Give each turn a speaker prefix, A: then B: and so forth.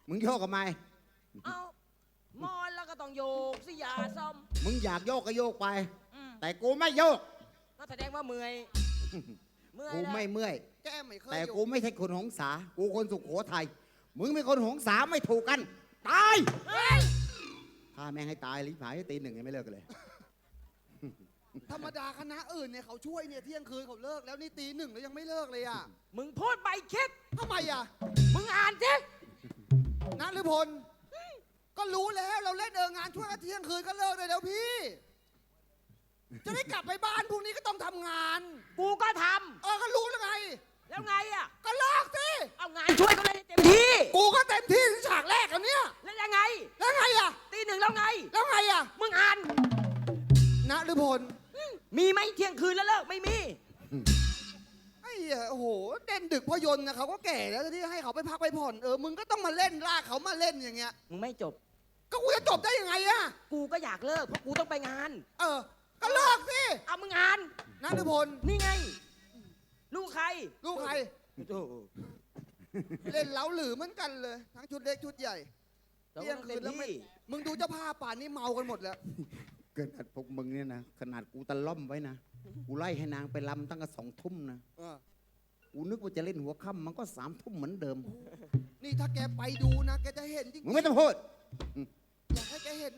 A: มึงโยกกับไม
B: เอามอนแล้วก็ต้องโยกสิยาซ่อม
A: มึงอยากโยกก็โยกไป แต่กูไม่โยก
B: ก็แสดงว่าเมื่อยเมื่อย
A: กูไม่เมื่อย
C: แก้ไม่เคย
A: แต่
C: อยู่
A: กูไม่ใช่คนหงสา กูคนสุโขทัย มึงเป็นคนหงสาไม่ถูกกัน ตาย
B: เฮ้ย
A: ถ้าแม่งให้ตายลิบหายตีหนึ่งยังไม่เลิกกันเลย
C: ธรรมดาคณะอื่นเนี่ยเขาช่วยเนี่ยเที่ยงคืนเขาเลิกแล้วนี่ตีหนึ่งแล้วยังไม่เลิกเลยอ่ะ
B: มึงพูดไปคิด
C: ทำไมอ่ะ
B: มึงอ่านสิ
C: นัทหรือพลก็รู้แล้วเราเล่นงานช่วยกันเที่ยงคืนก็เลิกเลยแล้วพี่ จะได้กลับไปบ้านพรุ่งนี้ก็ต้องทำงาน
B: กูก็ท
C: ก็รู้แล้วไง
B: ำแล้วไงอ่ะ
C: ก็เลิกสิ
B: เอางานช่วยก็เลยเต็มที่
C: กูก็เต็มที่ถึงฉากแรกอันเนี้ย
B: แล้วยังไง
C: แล้วไงอ่ะ
B: ตีหนึ่งแล้วไง
C: แล้วไงอ่ะ
B: มึงอ่าน
C: นัทหรือพล
B: มีไหมเที่ยงคืนแล้วเลิกไม่มี
C: ไอ้เหี้ยโอ้โหเด่นดึกพอยนต์นะเขาก็แก่แล้วที่ให้เขาไปพักไปผ่อนมึงก็ต้องมาเล่นลากเขามาเล่นอย่างเงี้ย
B: มึงไม่จบ
C: ก็กูจะจบได้ยังไงอะ
B: กูก็อยากเลิกเพราะกูต้องไปงาน
C: ก็เลิกสิ
B: เอามึงอ่าน
C: นัทพล
B: นี่ไง ลูกใคร
C: ลูกใคร
B: โอ้โห
C: เล่นเล้าหรือเหมือนกันเลย ทั้งชุดเล็กชุดใหญ่
B: เรา
C: เที่ยง
B: ต้อง
C: คื
B: เต็
C: น
B: ม
C: แล้วไม่
B: ที่
C: มึงดูเจ้าภาพป่านนี้เมากันหมดแล้ว
A: เกิดพวกมึงเนี่ยนะ ขนาดกูตะล่อมไว้นะ กูไล่ให้นางไปลำตั้งแต่2 ทุ่มนะ กูนึกว่าจะเล่นหัวค่ำมันก็3 ทุ่มเหมือนเดิม
C: นี่ถ้าแกไปดูนะ แกจะเห็นจริง
A: มึงไม่ต้องพูด
C: อยากให้แกเห็น